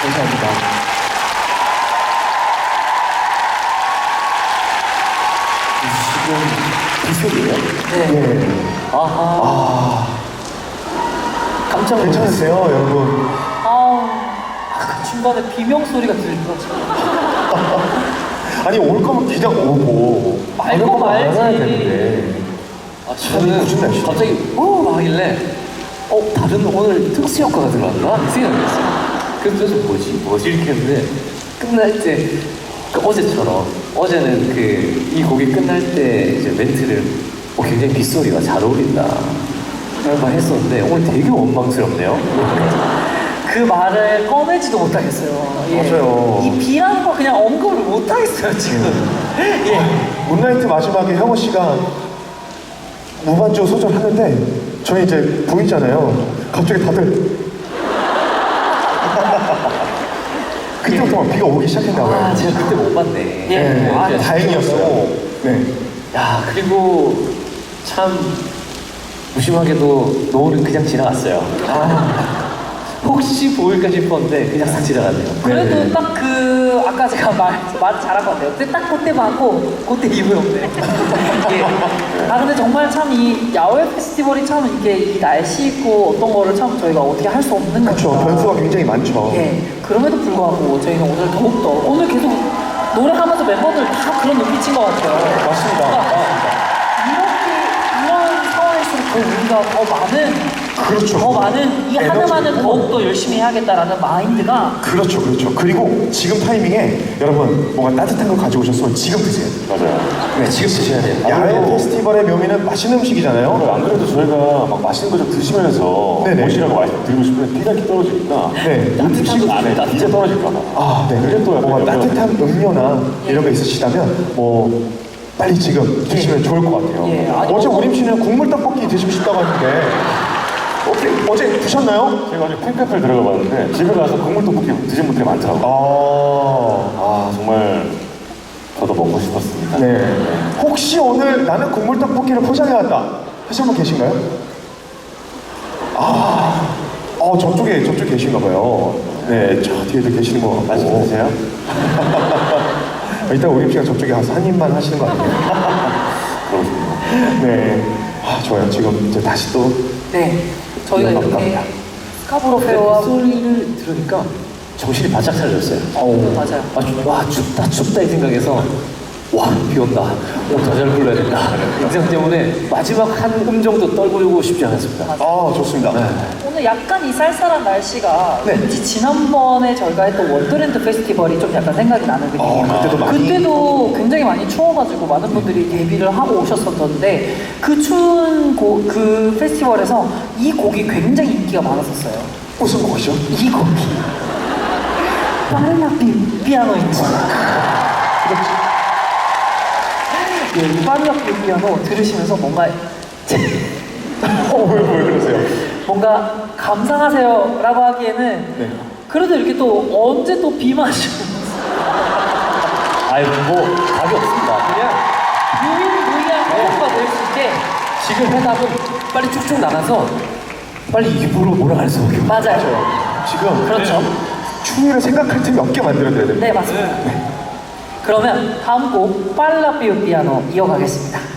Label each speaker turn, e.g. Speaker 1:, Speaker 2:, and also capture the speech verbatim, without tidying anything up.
Speaker 1: 감사합니다. 지금 빗소리예요?
Speaker 2: 네.
Speaker 1: 네. 아하. 아. 깜짝 놀랐어요. 괜찮으세요, 여러분?
Speaker 2: 아우, 그 중간에 비명 소리가 들려가지고.
Speaker 1: 아니, 올 거면 그냥 오고.
Speaker 2: 말고 말지.
Speaker 1: 아, 저는 무슨 날씨?
Speaker 3: 갑자기 어 하길래 어 다른 오늘 특수 효과가 들어왔나 이 생각이 들었어요. 그래서 도대체 뭐지 뭐지 이렇게 했는데 끝날 때 그 어제처럼 어제는 그 이 곡이 끝날 때 이제 멘트를 어, 굉장히 빗소리가 잘 어울린다 이런 말 했었는데 오늘 되게 원망스럽네요.
Speaker 2: 그 말을 꺼내지도 못하겠어요. 예.
Speaker 1: 맞아요.
Speaker 2: 이 비라는 거 그냥 언급을 못하겠어요, 지금. 예.
Speaker 1: 문나이트 마지막에 형호 씨가 무반주 소절하는데 저희 이제 보이잖아요. 갑자기 다들 그때부터 막 비가 오기 시작했나 봐요.
Speaker 3: 아 제가 그때 못 봤네.
Speaker 2: 예.
Speaker 1: 네,
Speaker 3: 아,
Speaker 1: 아, 다행이었어요. 네.
Speaker 3: 야 그리고 참 무심하게도 노을은 그냥 지나갔어요. 아, 혹시 보일까 싶었는데 그냥 싹 지나갔네요.
Speaker 2: 그래도
Speaker 1: 네.
Speaker 2: 딱 그, 아까 제가 말, 말 잘한 것 같아요. 근데 딱 그때 봤고, 그때 이후에 없네. 예. 아, 근데 정말 참 이 야외 페스티벌이 참 이게 이 날씨 있고 어떤 거를 참 저희가 어떻게 할 수 없는
Speaker 1: 그렇죠.
Speaker 2: 거니까.
Speaker 1: 변수가 굉장히 많죠.
Speaker 2: 예. 그럼에도 불구하고 저희는 오늘 더욱더, 오늘 계속 노래하면서 멤버들 다 그런 눈빛인 것 같아요.
Speaker 1: 맞습니다.
Speaker 2: 그러니까 이렇게, 이런 상황일수록 더 우리가 더 많은
Speaker 1: 그렇죠.
Speaker 2: 더 많은 이
Speaker 1: 에너지를
Speaker 2: 하나만은 더욱더 열심히 해야겠다라는 마인드가
Speaker 1: 그렇죠, 그렇죠. 그리고 지금 타이밍에 여러분 뭔가 따뜻한 거 가져오셨으면 지금 드세요.
Speaker 4: 맞아요.
Speaker 1: 네, 지금 드셔야 돼요. 야외 페스티벌의 묘미는 맛있는 음식이잖아요.
Speaker 4: 안 그래도 저희가 막 맛있는 거 좀 드시면서
Speaker 1: 네네.
Speaker 4: 오시라고 말씀드리고 싶은데 피가 떨어지니까
Speaker 1: 네.
Speaker 4: 음식 안에 진짜 떨어질까 봐.
Speaker 1: 아, 네.
Speaker 4: 그게 또 약간
Speaker 1: 뭔가
Speaker 4: 영향을
Speaker 1: 따뜻한 음료나 이런 거 있으시다면 뭐 빨리 지금 드시면 좋을 것 같아요.
Speaker 2: 예, 아니,
Speaker 1: 어제
Speaker 2: 뭐-
Speaker 1: 우림 씨는 국물 떡볶이 드시고 싶다고 하는데 어떻게 어제 드셨나요?
Speaker 4: 제가 어제 팬카페를 들어가 봤는데 집에 가서 국물 떡볶이 드신 분들이 많더라고요.
Speaker 1: 아,
Speaker 4: 아 정말 저도 먹고 싶었습니다.
Speaker 1: 네. 혹시 오늘 나는 국물 떡볶이를 포장해 왔다 하신 분 계신가요? 아, 어 저쪽에 저쪽 계신가 봐요. 네, 저 뒤에도 계시는 거 같고.
Speaker 4: 맛있게 드세요?
Speaker 1: 이따 우림 씨가 저쪽에 가서 한 입만 하시는 거 아니에요?
Speaker 4: 그렇습니다.
Speaker 1: 네. 아, 좋아요. 지금 이제 다시 또
Speaker 2: 네 저희가
Speaker 1: 이어갈까?
Speaker 2: 이렇게 스카보로 페어와
Speaker 3: 소리를 들으니까 정신이 바짝 차려졌어요.
Speaker 2: 어우 맞아요.
Speaker 3: 아, 춥- 와 춥다 춥다 이 생각에서 와 비 온다. 오, 더 잘 불러야 된다. 이 생각 때문에 마지막 한 음 정도 떨구고 싶지 않았습니다.
Speaker 1: 아, 좋습니다.
Speaker 2: 오늘 약간 이 쌀쌀한 날씨가
Speaker 1: 네.
Speaker 2: 왠지 지난번에 저희가 했던 원더랜드 페스티벌이 좀 약간 생각이 나는 느낌이에요.
Speaker 1: 어, 그때도 많이-
Speaker 2: 그때도 굉장히 많이 추워가지고 많은 분들이 데뷔를 하고 오셨었는데 그 추운 고, 그 페스티벌에서 이 곡이 굉장히 인기가 많았었어요.
Speaker 1: 무슨 곡이죠?
Speaker 2: 이 곡이 빠르나 피, 피아노 있지.
Speaker 1: 그렇지.
Speaker 2: 예, 이 빠르나 피, 피아노 들으시면서 뭔가
Speaker 1: 어, 왜, 왜 그러세요?
Speaker 2: 뭔가 감상하세요 라고 하기에는
Speaker 1: 네.
Speaker 2: 그래도 이렇게 또 언제 또 비 마시고
Speaker 3: 아유 뭐 답이 없습니다. 그냥
Speaker 2: 유일무이한 호흡가 될 수 있게
Speaker 3: 지금 해답은 빨리 쭉쭉 나가서 빨리 입으로 몰아갈 수밖에 없어요.
Speaker 2: 맞아요.
Speaker 1: 지금
Speaker 2: 그렇죠.
Speaker 1: 추위를 생각할 틈이 없게 만들어드려야 됩니다.
Speaker 2: 네 맞습니다. 그러면 다음 곡 빨라 피우 피아노 이어가겠습니다.